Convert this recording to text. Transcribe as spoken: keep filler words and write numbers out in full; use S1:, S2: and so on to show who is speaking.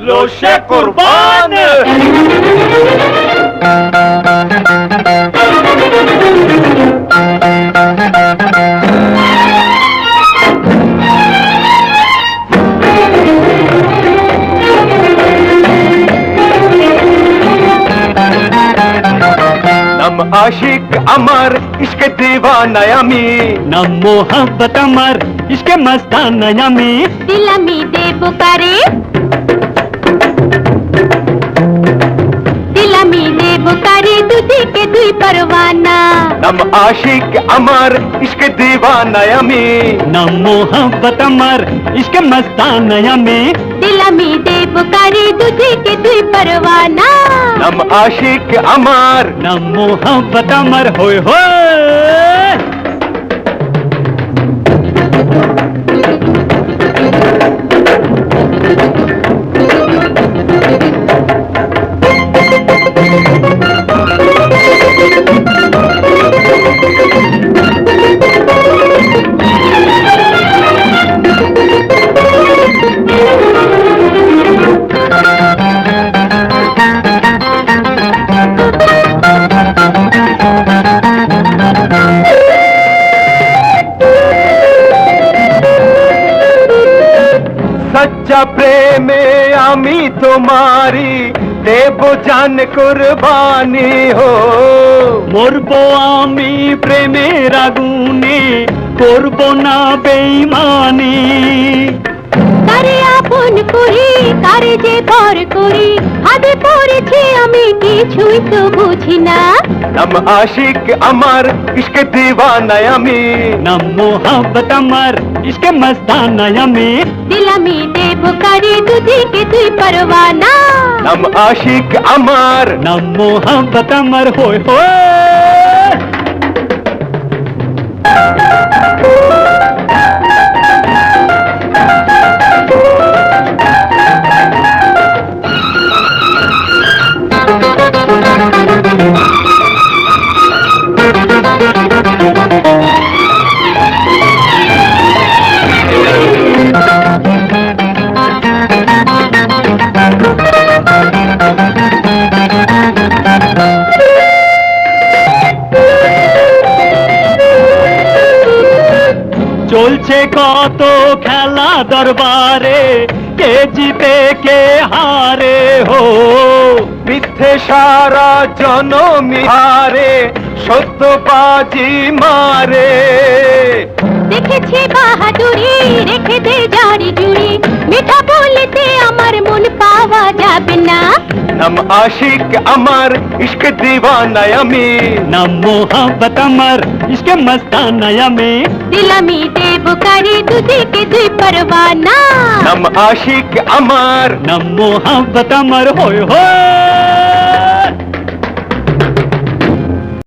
S1: रोशे कुर्बान। नम आशिक अमर इश्क दीवाना यामी,
S2: नम मोहब्बत अमर इश्क मस्ताना यामी,
S3: दिलमी दे बुकारे दिलमी दे बुकारे तुझे के दुई परवाना।
S1: नम आशिक अमर इश्क दीवाना यामी,
S2: नम मोहब्बत अमर इश्क मस्ताना यामी,
S3: दिलमी दे बुकारे तुझे के दुई परवाना।
S1: नम आशिक अमर
S2: नम मोहब्बत अमर होय होय।
S1: सच्चा प्रेमे आमी तुम्हारी देबो जान कुर्बानी हो।
S2: मरबो आमी प्रेमेर आগুনে করব না বেঈমানি।
S3: কারে আপন করি কারে যে পর করি হাতে পড়েছি আমি কিছুই তো বুঝি না।
S1: नम आशिक अमर इश्क दीवाना यामी,
S2: नम मोहब्बत अमर इश्क मस्ताना यामी,
S3: दिलमी दे बुकारे तुझे के दुई परवाना।
S1: नम आशिक अमर
S2: नम मोहब्बत अमर होय होय। চলছে কত খেলা দরবারে, কে জিতে কে হারে হো।
S1: মিথ্যে সারা জনমি হারে সত্যবাজি মারে।
S3: দেখেছি বাহাদুরি রেখে দে জারি জুড়ি, মিঠা বলতে আমার মন পাওয়া যাবে না।
S1: नम आशिक अमर इश्क दीवाना यामी,
S2: नम मोहब्बत अमर इश्क मस्ताना यामी,
S3: दिलमी दे बुकारे तुझे के दुई परवाना।
S1: नम आशिक अमर
S2: नम मोहब्बत अमर होय होय।